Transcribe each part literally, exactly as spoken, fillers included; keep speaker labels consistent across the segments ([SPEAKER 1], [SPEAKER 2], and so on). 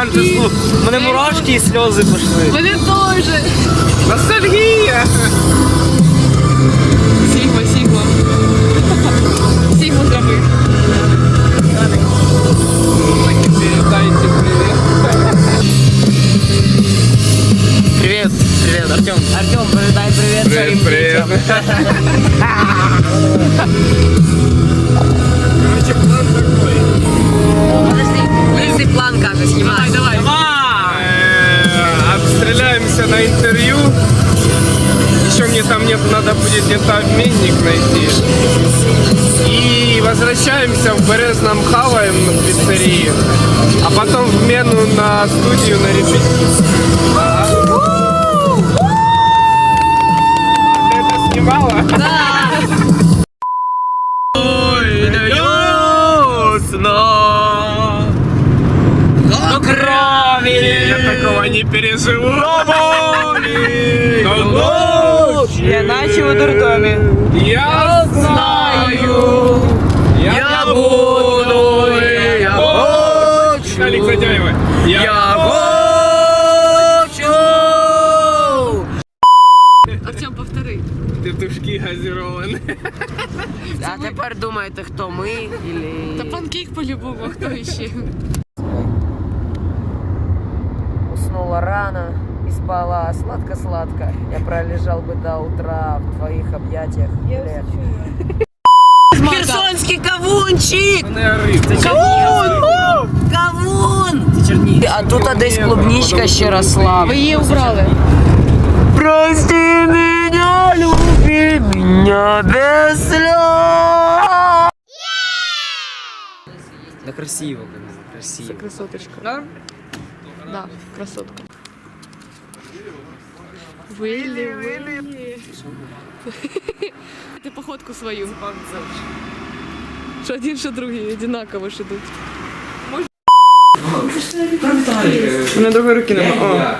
[SPEAKER 1] Боже, слух. У мене мурашки і сльози пішли.
[SPEAKER 2] Мене теж.
[SPEAKER 1] Ностальгія.
[SPEAKER 2] Сігма, Сігма. Сігму зробив.
[SPEAKER 1] Передайте привет. Привет, привет, Артем. Артем, передай привет своим
[SPEAKER 3] Привет,
[SPEAKER 1] детям.
[SPEAKER 3] Короче, план такой.
[SPEAKER 2] Подожди, лысый план, кажется, снимай. Давай, давай.
[SPEAKER 3] Э, Обстреляемся на интервью. Еще мне там нет, надо будет где-то обменник найти. И возвращаемся в Березном, хаваем в пиццерии. А потом в Мену на студию на репетицию. Ага. Ты это снимала?
[SPEAKER 2] Да.
[SPEAKER 1] Ой, дается до крови.
[SPEAKER 3] Я такого не переживу. Но ночь
[SPEAKER 1] Я начал в дурдоме.
[SPEAKER 3] я знаю,
[SPEAKER 1] Я буду, я хочу.
[SPEAKER 3] Виталик Задяева.
[SPEAKER 1] Я хочу.
[SPEAKER 2] Артем, повтори.
[SPEAKER 3] Петушки газированные.
[SPEAKER 1] А тепер думаєте, хто ми? Или...
[SPEAKER 2] Та панкейк по-любому, а хто ще?
[SPEAKER 4] Уснула рано и спала сладко-сладко. Я пролежал бы до утра в твоих объятиях. Или...
[SPEAKER 1] Херсонський кавунчик!
[SPEAKER 3] Це
[SPEAKER 1] Кавун! Кавун! А тут а десь клубничка ще росла.
[SPEAKER 2] Ви її убрали.
[SPEAKER 1] Прости меня, люби меня без слез. Да красиво, красиво.
[SPEAKER 2] Красоточка. Норм? Да, красотка. Вилли, Вилли. Ти походку свою. Що один, що другий, одинаково ж ідуть.
[SPEAKER 1] У меня другой руки нема.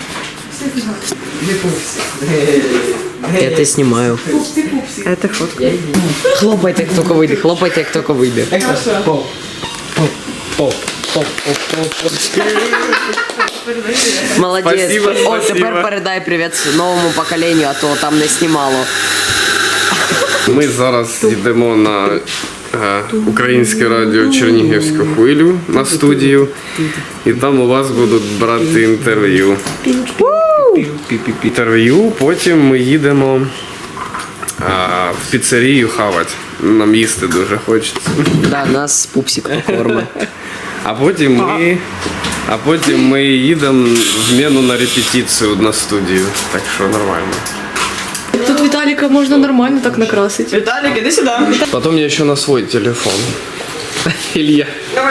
[SPEAKER 1] Я это снимаю. Это фотка. Хлопайте, як тільки вийде, хлопайте, як тільки вийде. Поп, поп, поп, поп, поп, поп. Молодець.
[SPEAKER 3] Спасибо,
[SPEAKER 1] О,
[SPEAKER 3] спасибо.
[SPEAKER 1] тепер передай привіт новому поколенню, а то там не знімало.
[SPEAKER 3] Ми зараз йдемо на е, Українське радіо Чернігівську хвилю на студію. І там у вас будуть брати інтерв'ю. Інтерв'ю, потім ми їдемо е, в піцерію хавати. Нам їсти дуже хочеться.
[SPEAKER 1] Да, нас пупсик покормить.
[SPEAKER 3] А потім ми, а потім ми їдемо в Мену на репетицію на студію. Так що нормально.
[SPEAKER 2] Тут Віталіка можна нормально так накрасити.
[SPEAKER 1] Віталік, іди сюди.
[SPEAKER 3] Потом я еще на свой телефон. Илья.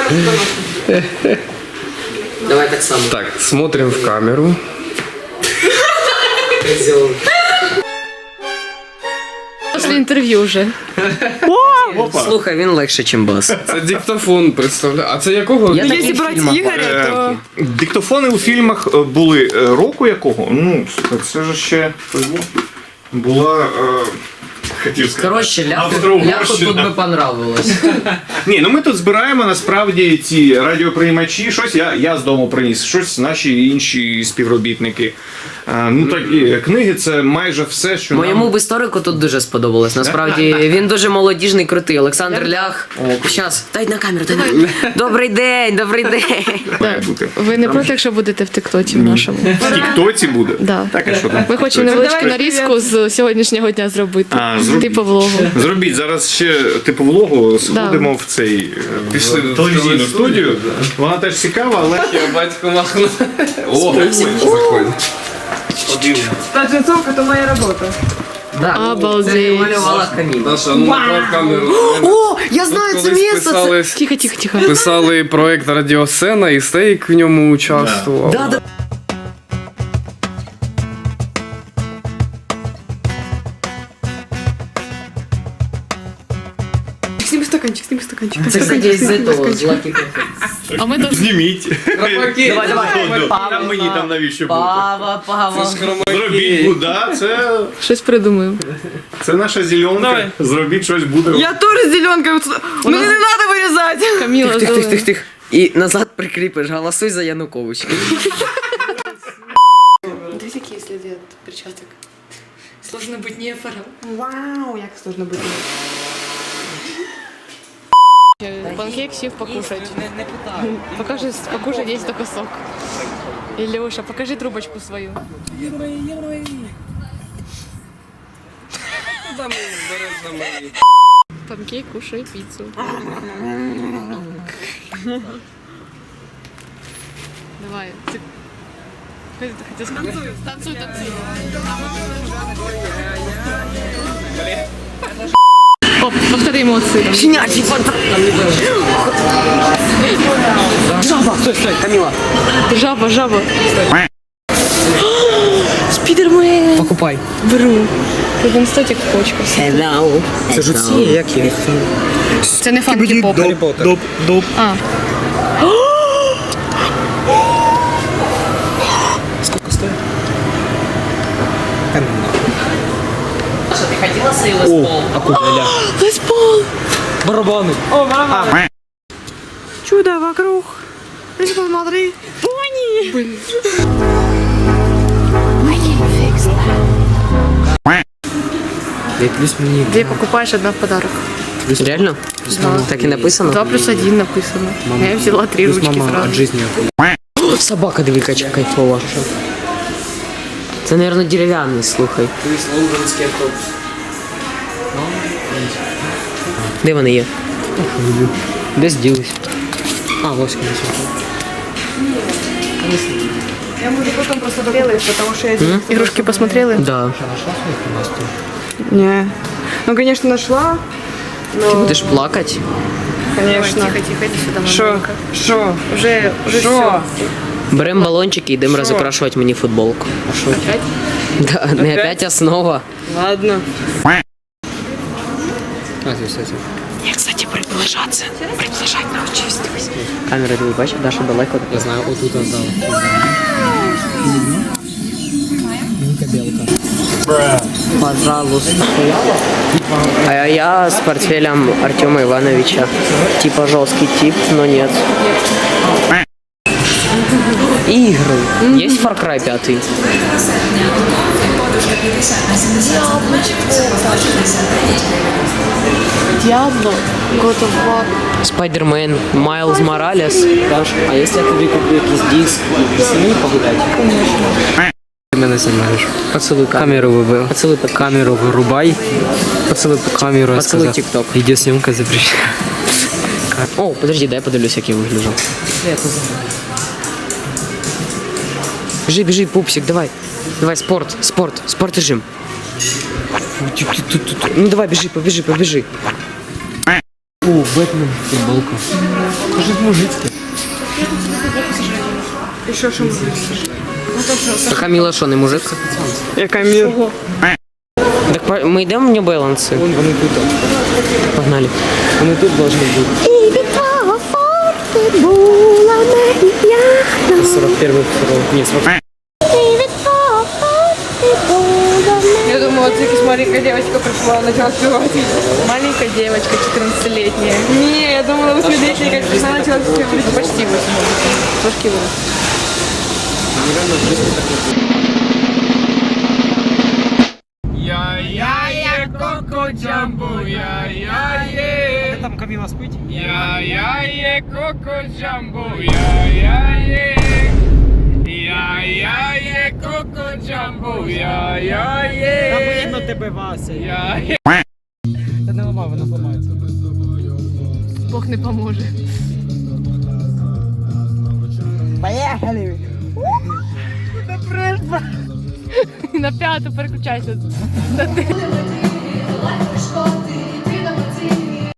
[SPEAKER 1] Давай так само.
[SPEAKER 3] Так, смотрим в камеру.
[SPEAKER 2] Після інтерв'ю вже.
[SPEAKER 1] Слухай, він легше, ніж бас.
[SPEAKER 3] Це диктофон, представляю. А це якого?
[SPEAKER 1] Я такий в фільмах
[SPEAKER 2] Ігоря, то...
[SPEAKER 5] Диктофони у фільмах е, були е, року якого? Ну, слухай, це ж ще була. Е, хотів сказати.
[SPEAKER 1] Коротше, ляху,
[SPEAKER 5] Австро-Угорщина.
[SPEAKER 1] ляху тут би понравилось.
[SPEAKER 5] Ні, ну ми тут збираємо насправді ці радіоприймачі, щось я, я з дому приніс, щось наші інші співробітники. А, ну так і книги це майже все, що
[SPEAKER 1] Моєму
[SPEAKER 5] нам...
[SPEAKER 1] б історику тут дуже сподобалось. Насправді він дуже молодіжний, крутий. Олександр Лях. Щас, дай на камеру, дай на. Добрий день, добрий день.
[SPEAKER 5] має бути.
[SPEAKER 2] Ви не проти, якщо будете в тиктоці в нашому?
[SPEAKER 5] В Тіктоці буде?
[SPEAKER 2] Да.
[SPEAKER 5] Так, а що там?
[SPEAKER 2] Ми хочемо невеличку нарізку з сьогоднішнього дня зробити.
[SPEAKER 5] А, зробіть.
[SPEAKER 2] Типу влогу.
[SPEAKER 5] Зробіть зараз ще типу влогу, сходимо в цей е,
[SPEAKER 3] Пішли
[SPEAKER 5] в
[SPEAKER 3] в
[SPEAKER 5] телевізійну
[SPEAKER 3] телевізійну
[SPEAKER 5] студію.
[SPEAKER 3] студію,
[SPEAKER 5] Вона теж цікава, але
[SPEAKER 3] Я батько махну. О, заходь.
[SPEAKER 1] Да,
[SPEAKER 2] Обалдеть.
[SPEAKER 1] це малювала камін.
[SPEAKER 3] Даша, ну направ камеру.
[SPEAKER 1] О, я знаю це
[SPEAKER 3] Колись
[SPEAKER 1] місце. Це...
[SPEAKER 3] писали,
[SPEAKER 2] Тихо, тихо, тихо.
[SPEAKER 3] писали проект Радіосцена і Стейк в ньому участвував.
[SPEAKER 1] Да, да.
[SPEAKER 2] Сними стаканчик, сними стаканчик.
[SPEAKER 1] Це, кстати, із этого, з Lucky Coffee.
[SPEAKER 2] А ми там...
[SPEAKER 5] зніміть.
[SPEAKER 1] Давай, давай.
[SPEAKER 5] А мені там навіщо бути?
[SPEAKER 1] Пава, пава.
[SPEAKER 5] Зробіть, ну да, це,
[SPEAKER 2] Щось придумаємо.
[SPEAKER 5] це наша зеленка. Зробіть щось буде.
[SPEAKER 1] Я теж з зеленкою. Мені не треба вирізати.
[SPEAKER 2] Каміла,
[SPEAKER 1] Тих, тих, тих, тих. І назад прикріпиш, голосуй за Януковича.
[SPEAKER 2] Две такие следы от перчаток. Сложно быть нефором. Вау, як сложно быть нефором. Панкейк сів покушать. Покажи, покушать, есть только сок. Илюша, покажи трубочку свою. Панкейк, кушай пиццу. Давай. Ты... Что ты хотел сказать? Танцуй, танцуй. Оп, повтори эмоции.
[SPEAKER 1] Щенячий фантом. Жаба! Стой, стой, Камила.
[SPEAKER 2] Жаба, жаба. Спидермен.
[SPEAKER 1] Покупай.
[SPEAKER 2] Беру. Він статік в почках.
[SPEAKER 1] Hello. Це ж ці, як їх?
[SPEAKER 2] Це не фанки поп.
[SPEAKER 5] Доп, доп.
[SPEAKER 2] А.
[SPEAKER 1] Сколько стоит? Саша, ты хотела свою лес-пол?
[SPEAKER 5] А куда, ля?
[SPEAKER 2] Лес-пол.
[SPEAKER 1] Барабаны.
[SPEAKER 2] О, барабаны. Чудо вокруг. Лес-пол, смотри. Пони. Блин.
[SPEAKER 1] Плюс мені.
[SPEAKER 2] Две покупаешь, одна в подарок.
[SPEAKER 1] Реально?
[SPEAKER 2] Да.
[SPEAKER 1] Так и написано?
[SPEAKER 2] Два плюс один написано. Я взяла три ручки сразу.
[SPEAKER 1] жизни. О, собака, диви, кача кайфова. Це, наверное, дерев'яний, слухай. Лондонський автобус. Де вони є? Десь ділись. А, ось вони.
[SPEAKER 6] Я буду потом просто доделать, потому что я...
[SPEAKER 2] Игрушки посмотрели?
[SPEAKER 1] Да.
[SPEAKER 6] Не. Ну, конечно, нашла.
[SPEAKER 1] Ти будеш плакати?
[SPEAKER 6] Конечно.
[SPEAKER 2] Тихо, тихо, иди сюда,
[SPEAKER 6] Шо?
[SPEAKER 2] мамонька.
[SPEAKER 6] Шо?
[SPEAKER 2] Уже, уже
[SPEAKER 6] Шо?
[SPEAKER 2] все.
[SPEAKER 1] Беремо балончики і йдемо розукрашувати мені футболку. А що?
[SPEAKER 2] Опять?
[SPEAKER 1] Да, не опять основа.
[SPEAKER 6] Ладно.
[SPEAKER 1] Я, кстати, приближатися. Приближати научусь. Камера, ти бачиш, Даша далеко. Я знаю, отут отдала. Пожалуйста. А я с портфелем Артема Ивановича. Типа жесткий тип, но нет. Игры. Есть Far Cry пять?
[SPEAKER 2] Диабло, God of War.
[SPEAKER 1] Спайдермен, Майлз Моралес. Даш, а если я тобі куплю якийсь диск, с ним погулять? Конечно. Ты меня снимаешь. Поцелуй камеру выбил. Поцелуй под камеру вырубай. Поцелуй под камеру. Поцелуй ТикТок. Видеосъемка запрещена. О, подожди, дай я подивлюсь, як я вигляжу. Бежи, бежи, пупсик, давай. Давай, спорт, спорт, спорт режим. Ну давай, бежи, побежи, побежи. О, Бэтмен, футболка. Уже мужицкий.
[SPEAKER 6] Еще что
[SPEAKER 1] А Камила що, не мужик?
[SPEAKER 6] Я Камил.
[SPEAKER 1] Так по- ми йдемо в New Balance? Вон вони тут. Погнали. Вони тут должны бути. сорок первый, нет, сорок.
[SPEAKER 6] Я думала, это какая-то маленькая девочка пришла, начала спевать.
[SPEAKER 2] Маленькая девочка, четырнадцатилетняя.
[SPEAKER 6] Не, я думала, восьмилетняя, как пришла, начала спевать.
[SPEAKER 2] Почти восемь. Трошки вырос.
[SPEAKER 3] Я-я-є, коко джамбо, я-я-є.
[SPEAKER 5] Там Камила спить?
[SPEAKER 3] Я-я-є, коко джамбо, я-я-є. Я-я-є, коко джамбо, я-я-є.
[SPEAKER 5] Видно тебе, Вася.
[SPEAKER 3] Я-я.
[SPEAKER 5] Та не ламай, вона зламається.
[SPEAKER 2] Бог не поможе.
[SPEAKER 6] Поехали!
[SPEAKER 2] На п'яту переключайся.